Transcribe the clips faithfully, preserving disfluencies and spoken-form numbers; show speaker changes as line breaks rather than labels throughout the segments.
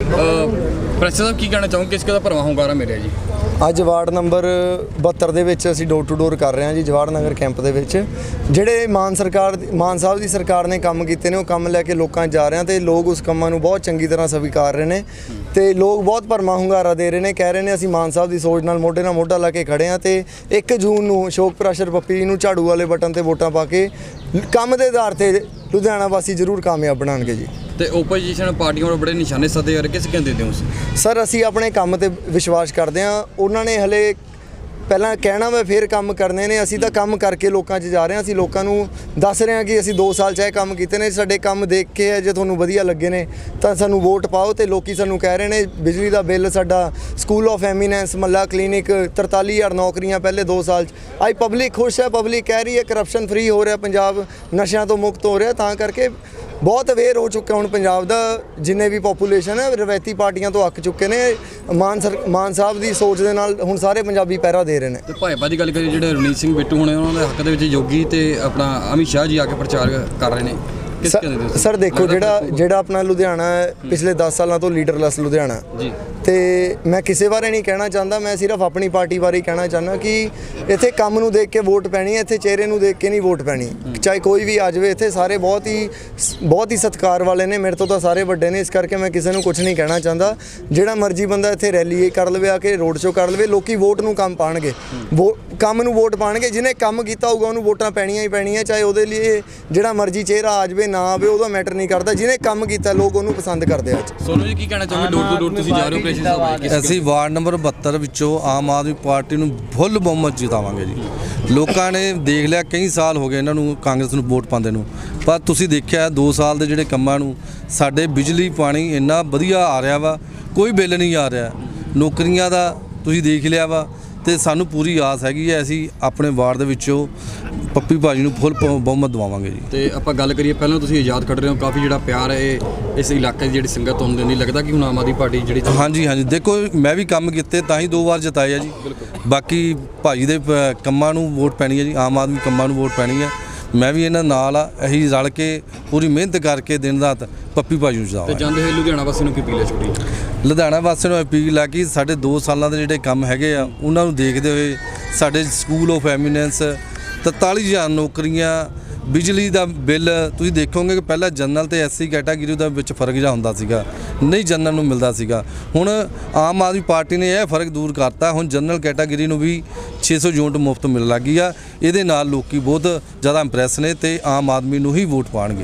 Press ਸਾਹਿਬ ਕੀ ਕਹਿਣਾ ਚਾਹੋਗੇ, ਕਿਸ ਦਾ ਭਰਵਾਂ ਹੁੰਗਾਰਾ ਮਿਲਿਆ ਜੀ
ਅੱਜ ਵਾਰਡ ਨੰਬਰ ਬਹੱਤਰ ਦੇ ਵਿੱਚ ਅਸੀਂ ਡੋਰ ਟੂ ਡੋਰ ਕਰ ਰਹੇ ਹਾਂ ਜੀ, ਜਵਾਹਰ ਨਗਰ ਕੈਂਪ ਦੇ ਵਿੱਚ। ਜਿਹੜੇ ਮਾਨ ਸਰਕਾਰ ਮਾਨ ਸਾਹਿਬ ਦੀ ਸਰਕਾਰ ਨੇ ਕੰਮ ਕੀਤੇ ਨੇ ਉਹ ਕੰਮ ਲੈ ਕੇ ਲੋਕਾਂ 'ਚ ਜਾ ਰਹੇ ਹਾਂ ਤੇ ਲੋਕ ਉਸ ਕੰਮਾਂ ਨੂੰ ਬਹੁਤ ਚੰਗੀ ਤਰ੍ਹਾਂ ਸਵੀਕਾਰ ਰਹੇ ਨੇ ਤੇ ਲੋਕ ਬਹੁਤ ਭਰਵਾਂ ਹੁੰਗਾਰਾ ਦੇ ਰਹੇ ਨੇ, ਕਹਿ ਰਹੇ ਨੇ ਅਸੀਂ ਮਾਨ ਸਾਹਿਬ ਦੀ ਸੋਚ ਨਾਲ ਮੋਢੇ ਨਾਲ ਮੋਢਾ ਲਾ ਕੇ ਖੜੇ ਹਾਂ ਤੇ ਇੱਕ ਜੂਨ ਨੂੰ ਅਸ਼ੋਕ ਪ੍ਰੈਸ਼ਰ ਪੱਪੀ ਨੂੰ ਝਾੜੂ ਵਾਲੇ ਬਟਨ ਤੇ ਵੋਟਾਂ ਪਾ ਕੇ ਕੰਮ ਦੇ ਆਧਾਰ ਤੇ ਲੁਧਿਆਣਾ ਵਾਸੀ ਜ਼ਰੂਰ ਕਾਮਯਾਬ ਬਣਾਉਣਗੇ ਜੀ।
ਤੇ ਓਪੋਜੀਸ਼ਨ ਪਾਰਟੀਆਂ ਨੂੰ ਬੜੇ ਨਿਸ਼ਾਨੇ ਸੱਦੇ ਯਾਰ, ਕਿਸ ਕਹਿੰਦੇ ਦਿਓ
ਸਰ? ਅਸੀਂ ਆਪਣੇ ਕੰਮ ਤੇ ਵਿਸ਼ਵਾਸ ਕਰਦੇ ਹਾਂ। ਉਹਨਾਂ ਨੇ ਹਲੇ ਪਹਿਲਾਂ ਕਹਿਣਾ ਵਾ ਫਿਰ ਕੰਮ ਕਰਨੇ ਨੇ, ਅਸੀਂ ਤਾਂ ਕੰਮ ਕਰਕੇ ਲੋਕਾਂ 'ਚ ਜਾ ਰਹੇ ਹਾਂ। ਅਸੀਂ ਲੋਕਾਂ ਨੂੰ ਦੱਸ ਰਹੇ ਹਾਂ ਕਿ ਅਸੀਂ ਦੋ ਸਾਲ 'ਚ ਇਹ ਕੰਮ ਕੀਤੇ ਨੇ, ਸਾਡੇ ਕੰਮ ਦੇਖ ਕੇ ਜੇ ਤੁਹਾਨੂੰ ਵਧੀਆ ਲੱਗੇ ਨੇ ਤਾਂ ਸਾਨੂੰ ਵੋਟ ਪਾਓ। ਤੇ ਲੋਕੀ ਸਾਨੂੰ ਕਹਿ ਰਹੇ ਨੇ ਬਿਜਲੀ ਦਾ ਬਿੱਲ ਸਾਡਾ, ਸਕੂਲ ਆਫ ਐਮੀਨੈਂਸ, ਮੱਲਾ ਕਲੀਨਿਕ, ਤਰਤਾਲੀ ਹਜ਼ਾਰ ਨੌਕਰੀਆਂ ਪਹਿਲੇ ਦੋ ਸਾਲ 'ਚ। ਅੱਜ ਪਬਲਿਕ ਖੁਸ਼ ਹੈ, ਪਬਲਿਕ ਕਹਿ ਰਹੀ ਹੈ ਕਰਪਸ਼ਨ ਫਰੀ ਹੋ ਰਿਹਾ ਪੰਜਾਬ, ਨਸ਼ਿਆਂ ਤੋਂ ਮੁਕਤ ਹੋ ਰਿਹਾ। ਤਾਂ ਕਰਕੇ ਬਹੁਤ ਅਵੇਅਰ ਹੋ ਚੁੱਕਾ ਹੁਣ ਪੰਜਾਬ ਦਾ, ਜਿੰਨੇ ਵੀ ਪੋਪੂਲੇਸ਼ਨ ਹੈ ਰਵਾਇਤੀ ਪਾਰਟੀਆਂ ਤੋਂ ਅੱਕ ਚੁੱਕੇ ਨੇ। ਮਾਨ ਸਰ ਮਾਨ ਸਾਹਿਬ ਦੀ ਸੋਚ ਦੇ ਨਾਲ ਹੁਣ ਸਾਰੇ ਪੰਜਾਬੀ ਪੈਰਾ ਦੇ ਰਹੇ ਨੇ।
ਤੇ ਭਾਜਪਾ ਦੀ ਗੱਲ ਕਰੀਏ, ਜਿਹੜੇ ਰਣਜੀਤ ਸਿੰਘ ਬਿੱਟੂ ਹੋਣੇ ਉਹਨਾਂ ਦੇ ਹੱਕ ਦੇ ਵਿੱਚ ਯੋਗੀ ਤੇ ਆਪਣਾ ਅਮਿਤ ਸ਼ਾਹ ਜੀ ਆ ਕੇ ਪ੍ਰਚਾਰ ਕਰ ਰਹੇ ਨੇ, ਕਿਸ ਕਹਿੰਦੇ
ਸਰ? ਦੇਖੋ ਜਿਹੜਾ ਜਿਹੜਾ ਆਪਣਾ ਲੁਧਿਆਣਾ ਹੈ ਪਿਛਲੇ ਦਸ ਸਾਲਾਂ ਤੋਂ ਲੀਡਰਲੈਸ ਲੁਧਿਆਣਾ ਜੀ, ਤੇ ਮੈਂ ਕਿਸੇ ਬਾਰੇ ਨਹੀਂ ਕਹਿਣਾ ਚਾਹੁੰਦਾ, ਮੈਂ ਸਿਰਫ ਆਪਣੀ ਪਾਰਟੀ ਬਾਰੇ ਕਹਿਣਾ ਚਾਹੁੰਦਾ ਕਿ ਇੱਥੇ ਕੰਮ ਨੂੰ ਦੇਖ ਕੇ ਵੋਟ ਪੈਣੀ ਹੈ, ਇੱਥੇ ਚਿਹਰੇ ਨੂੰ ਦੇਖ ਕੇ ਨਹੀਂ ਵੋਟ ਪੈਣੀ। ਚਾਹੇ ਕੋਈ ਵੀ ਆ ਜਾਵੇ, ਇੱਥੇ ਸਾਰੇ ਬਹੁਤ ਹੀ ਬਹੁਤ ਹੀ ਸਤਿਕਾਰ ਵਾਲੇ ਨੇ, ਮੇਰੇ ਤੋਂ ਤਾਂ ਸਾਰੇ ਵੱਡੇ ਨੇ, ਇਸ ਕਰਕੇ ਮੈਂ ਕਿਸੇ ਨੂੰ ਕੁਝ ਨਹੀਂ ਕਹਿਣਾ ਚਾਹੁੰਦਾ। ਜਿਹੜਾ ਮਰਜ਼ੀ ਬੰਦਾ ਇੱਥੇ ਰੈਲੀ ਕਰ ਲਵੇ, ਆ ਕੇ ਰੋਡ ਸ਼ੋਅ ਕਰ ਲਵੇ, ਲੋਕੀ ਵੋਟ ਨੂੰ ਕੰਮ ਪਾਣਗੇ, ਵੋ ਕੰਮ ਨੂੰ ਵੋਟ ਪਾਣਗੇ। ਜਿਹਨੇ ਕੰਮ ਕੀਤਾ ਹੋਊਗਾ ਉਹਨੂੰ ਵੋਟਾਂ ਪੈਣੀਆਂ ਹੀ ਪੈਣੀਆਂ, ਚਾਹੇ ਉਹਦੇ ਲਈ ਜਿਹੜਾ ਮਰਜ਼ੀ ਚਿਹਰਾ ਆ ਜਾਵੇ ਨਾ ਆਵੇ, ਉਹਦਾ ਮੈਟਰ ਨਹੀਂ ਕਰਦਾ। ਜਿਹਨੇ ਕੰਮ ਕੀਤਾ ਲੋਕ ਉਹਨੂੰ ਪਸੰਦ ਕਰਦੇ ਆ।
ਸੋਨੂ ਜੀ ਕੀ ਕਹਿਣਾ ਚਾਹੋਗੇ, ਡੋਰ ਟੂ ਡੋਰ ਤੁਸੀਂ ਜਾ ਰਹੇ ਹੋ?
ਅਸੀਂ ਵਾਰਡ ਨੰਬਰ ਬਹੱਤਰ ਵਿੱਚੋਂ ਆਮ ਆਦਮੀ ਪਾਰਟੀ ਨੂੰ ਫੁੱਲ ਬਹੁਮਤ ਜਿਤਾਵਾਂਗੇ ਜੀ। ਲੋਕਾਂ ਨੇ ਦੇਖ ਲਿਆ, ਕਈ ਸਾਲ ਹੋ ਗਏ ਇਹਨਾਂ ਨੂੰ ਕਾਂਗਰਸ ਨੂੰ ਵੋਟ ਪਾਉਂਦੇ ਨੂੰ, ਪਰ ਤੁਸੀਂ ਦੇਖਿਆ ਦੋ ਸਾਲ ਦੇ ਜਿਹੜੇ ਕੰਮਾਂ ਨੂੰ, ਸਾਡੇ ਬਿਜਲੀ ਪਾਣੀ ਇੰਨਾ ਵਧੀਆ ਆ ਰਿਹਾ ਵਾ, ਕੋਈ ਬਿੱਲ ਨਹੀਂ ਆ ਰਿਹਾ, ਨੌਕਰੀਆਂ ਦਾ ਤੁਸੀਂ ਦੇਖ ਲਿਆ ਵਾ। ਤੇ ਸਾਨੂੰ ਪੂਰੀ ਆਸ ਹੈਗੀ ਹੈ ਅਸੀਂ ਆਪਣੇ ਵਾਰਡ ਦੇ ਵਿੱਚੋਂ ਪੱਪੀ ਭਾਜੀ ਨੂੰ ਫੁੱਲ ਬਹੁਮਤ ਦਵਾਵਾਂਗੇ ਜੀ।
ਤੇ ਆਪਾਂ ਗੱਲ ਕਰੀਏ, ਪਹਿਲਾਂ ਤੁਸੀਂ ਆਜ਼ਾਦ ਕੱਢ ਰਹੇ ਹੋ, ਕਾਫੀ ਜਿਹੜਾ ਪਿਆਰ ਹੈ ਇਸ ਇਲਾਕੇ ਦੀ ਜਿਹੜੀ ਸੰਗਤ ਹੁੰਦੀ ਨਹੀਂ ਲੱਗਦਾ ਕਿ ਹੁਣ ਆਮ ਆਦਮੀ ਪਾਰਟੀ ਜਿਹੜੀ?
ਹਾਂਜੀ ਹਾਂਜੀ, ਦੇਖੋ ਮੈਂ ਵੀ ਕੰਮ ਕੀਤੇ ਤਾਂ ਹੀ ਦੋ ਵਾਰ ਜਿਤਾਏ ਆ ਜੀ। ਬਾਕੀ ਭਾਜੀ ਦੇ ਕੰਮਾਂ ਨੂੰ ਵੋਟ ਪੈਣੀ ਹੈ ਜੀ, ਆਮ ਆਦਮੀ ਕੰਮਾਂ ਨੂੰ ਵੋਟ ਪੈਣੀ ਹੈ। ਮੈਂ ਵੀ ਇਹਨਾਂ ਨਾਲ ਆ, ਅਸੀਂ ਰਲ ਕੇ ਪੂਰੀ ਮਿਹਨਤ ਕਰਕੇ ਦਿਨ ਰਾਤ ਪੱਪੀ ਭਾਜੀ ਨੂੰ ਜਿਤਾਵਾਂਗੇ।
ਤੇ ਜਾਂਦੇ ਹੋਏ ਲੁਧਿਆਣਾ ਵਾਸੀ ਨੂੰ ਕੀ ਅਪੀਲ ਹੈ ਛੋਟੀ?
ਲੁਧਿਆਣਾ ਵਾਸੀਆਂ ਨੂੰ ਅਪੀਲ ਆ ਕਿ ਸਾਡੇ ਦੋ ਸਾਲਾਂ ਦੇ ਜਿਹੜੇ ਕੰਮ ਹੈਗੇ ਆ ਉਹਨਾਂ ਨੂੰ ਦੇਖਦੇ ਹੋਏ ਸਾਡੇ ਸਕੂਲ ਆਫ ਐਮੀਨੈਂਸ, ਤਰਤਾਲੀ ਹਜ਼ਾਰ ਨੌਕਰੀਆਂ, ਬਿਜਲੀ ਦਾ ਬਿੱਲ, ਤੁਸੀਂ ਦੇਖੋਗੇ ਕਿ ਪਹਿਲਾਂ ਜਨਰਲ ਤੇ ਐਸਸੀ ਕੈਟਾਗਰੀ ਦਾ ਵਿੱਚ ਫਰਕ ਜਿਹਾ ਹੁੰਦਾ ਸੀਗਾ, ਨਹੀਂ ਜਨਰਲ ਨੂੰ ਮਿਲਦਾ ਸੀਗਾ। ਹੁਣ ਆਮ ਆਦਮੀ ਪਾਰਟੀ ਨੇ ਇਹ ਫਰਕ ਦੂਰ ਕਰਤਾ, ਹੁਣ ਜਨਰਲ ਕੈਟਾਗਰੀ ਨੂੰ ਵੀ ਛੇ ਸੌ ਯੂਨਿਟ ਮੁਫਤ ਮਿਲਣ ਲੱਗੀ ਆ। ਇਹਦੇ ਨਾਲ ਲੋਕੀ ਬਹੁਤ ਜ਼ਿਆਦਾ ਇੰਪ੍ਰੈਸ ਨੇ ਤੇ ਆਮ ਆਦਮੀ ਨੂੰ ਹੀ ਵੋਟ ਪਾਣਗੇ।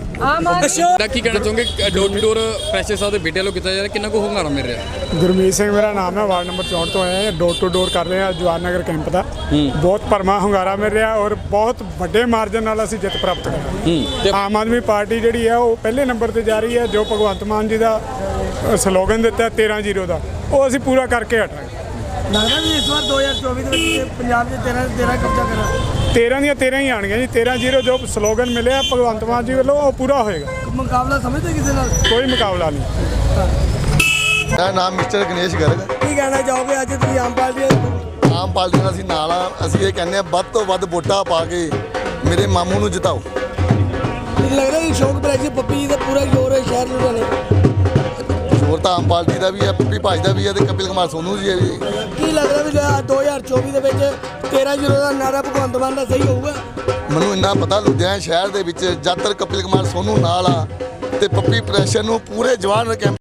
ਕੀ ਕਹਿਣਾ ਚਾਹੋਗੇ, ਡੋਰ ਟੂ ਡੋਰ ਪ੍ਰੈਸ਼ਰ ਸਾਹਿਬ ਦੇ ਬੇਟੇ ਵੱਲੋਂ ਕੀਤਾ ਜਾ ਰਿਹਾ, ਕਿੰਨਾ ਕੁ ਹੁੰਗਾਰਾ ਮਿਲ ਰਿਹਾ?
ਗੁਰਮੀਤ ਸਿੰਘ ਮੇਰਾ ਨਾਮ ਹੈ, ਵਾਰਡ ਨੰਬਰ ਚੌਂਹਠ ਤੋਂ ਆਏ ਹਾਂ। ਡੋਰ ਟੂ ਡੋਰ ਕਰ ਰਹੇ ਹਾਂ ਜਵਾਹਰ ਨਗਰ ਕੈਂਪ ਦਾ, ਬਹੁਤ ਭਰਵਾਂ ਹੁੰਗਾਰਾ ਮਿਲ ਰਿਹਾ ਔਰ ਬਹੁਤ ਵੱਡੇ ਮਾਰਜਨ ਨਾਲ ਅਸੀਂ ਜਿੱਤ ਪ੍ਰਾਪਤ ਕਰ। ਆਮ ਆਦਮੀ ਪਾਰਟੀ ਜਿਹੜੀ ਹੈ ਉਹ ਪਹਿਲੇ ਨੰਬਰ ਤੇ ਜਾ ਰਹੀ ਹੈ। ਜੋ ਭਗਵੰਤ ਮਾਨ ਜੀ ਦਾ ਸਲੋਗਨ ਦਿੱਤਾ ਤੇਰਾਂ ਜ਼ੀਰੋ ਦਾ, ਉਹ ਅਸੀਂ ਪੂਰਾ ਕਰਕੇ ਹਟਾਂਗੇ।
ਲੱਗਦਾ ਵੀ ਇਸ ਵਾਰ ਦੋ ਹਜ਼ਾਰ ਚੌਵੀ ਦੇ ਵਿੱਚ ਪੰਜਾਬ 'ਚ ਤੇਰਾਂ ਤੇਰਾਂ ਕਬਜ਼ਾ ਕਰਾਂ?
ਤੇਰਾਂ ਦੀਆਂ ਤੇਰਾਂ ਹੀ ਆਣਗੀਆਂ ਜੀ। ਤੇਰਾਂ ਜ਼ੀਰੋ ਜੋ ਸਲੋਗਨ ਮਿਲਿਆ ਭਗਵੰਤ ਮਾਨ ਜੀ ਵੱਲੋਂ ਉਹ ਪੂਰਾ ਹੋਏਗਾ।
ਮੁਕਾਬਲਾ ਸਮਝਦੇ ਕਿਸੇ ਨਾਲ?
ਕੋਈ ਮੁਕਾਬਲਾ ਨਹੀਂ।
ਮੇਰਾ ਨਾਮ ਮਿਸਟਰ ਗਣੇਸ਼ ਗਰਗ।
ਕੀ ਕਹਿਣਾ ਚਾਹੋਗੇ ਅੱਜ ਤੁਸੀਂ ਆਮ ਪਾਰਟੀ?
ਆਮ ਪਾਰਟੀ ਨਾਲ ਅਸੀਂ ਨਾਲ ਆ। ਅਸੀਂ ਇਹ ਕਹਿੰਦੇ ਆ ਵੱਧ ਤੋਂ ਵੱਧ ਵੋਟਾਂ ਪਾ ਕੇ ਮੇਰੇ ਮਾਮੂ ਨੂੰ ਜਿਤਾਓ।
ਲੱਗਦਾ ਕਿ ਅਸ਼ੋਕ ਪ੍ਰੈਸ਼ਰ ਪੱਪੀ ਦਾ ਪੂਰਾ ਜ਼ੋਰ ਹੈ ਸ਼ਹਿਰ ਲੁਧਿਆਣੇ?
ਜ਼ੋਰ ਤਾਂ ਆਮ ਪਾਰਟੀ ਦਾ ਵੀ ਹੈ, ਪੱਪੀ ਭਾਜ ਦਾ ਵੀ ਹੈ ਤੇ ਕਪਿਲ ਕੁਮਾਰ ਸੋਨੂ ਜੀ ਹੈ ਜੀ।
ਕੀ ਲੱਗਦਾ ਵੀ ਦੋ ਹਜ਼ਾਰ ਚੌਵੀ ਦੇ ਵਿੱਚ ਤੇਰਾਂ ਜ਼ੀਰੋ ਦਾ ਨਾਰਾ ਭਗਵੰਤ ਮਾਨ ਦਾ ਸਹੀ ਹੋਊਗਾ?
ਮੈਨੂੰ ਇੰਨਾ ਪਤਾ ਲੁਧਿਆਣਾ ਸ਼ਹਿਰ ਦੇ ਵਿੱਚ ਜਦ ਤੱਕ ਕਪਿਲ ਕੁਮਾਰ ਸੋਨੂ ਨਾਲ ਆ ਤੇ ਪੱਪੀ ਪ੍ਰੈਸ਼ਰ ਨੂੰ ਪੂਰੇ ਜਵਾਹਰ ਕੈਂਪ